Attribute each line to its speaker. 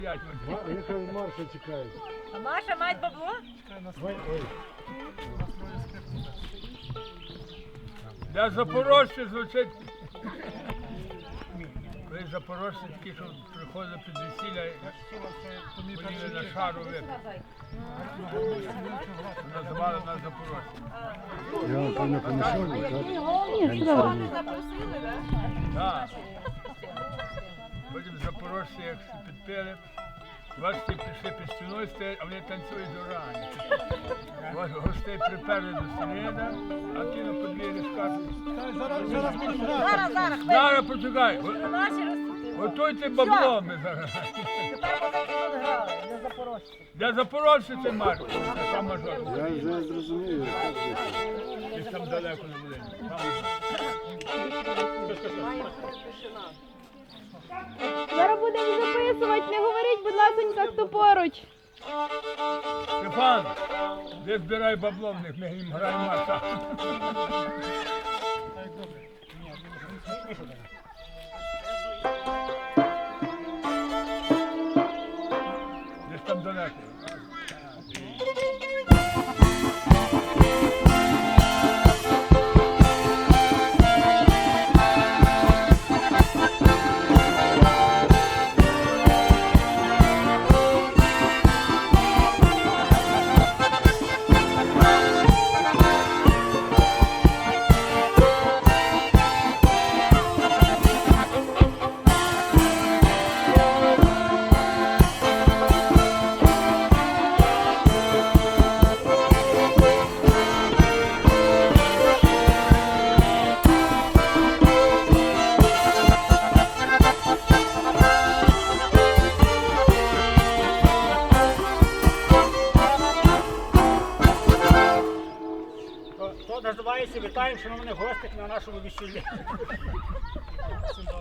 Speaker 1: Яка Марша чекає.
Speaker 2: А Маша має бабло?
Speaker 3: Для запорожців звучить. Ви запорожці такі, що приходили під весілля, ходили на шару випити. Називали нас запорожці.
Speaker 1: Я вам певно помішав, так?
Speaker 3: Так. Потім запорожці, як підпили, вас всі пішли під стіною стоять, а вони танцюють до рані. Вас гостей приперли до стіни, а ті на подвір'ї скажуть. Зараз почекай. Готуйте бабло ми зараз.
Speaker 2: Для запорожців.
Speaker 3: Для запорожців це Марко, там мажор.
Speaker 1: Я вже зрозумів.
Speaker 3: Десь там далеко не буде.
Speaker 4: Зараз будемо записувати, не говоріть, будь ласонька, хто поруч.
Speaker 3: Стефан, де збирай бабло в них, ми їм граємо маса. Десь там далеко.
Speaker 5: То називається «Вітаємо, шановних гостей на нашому весіллі».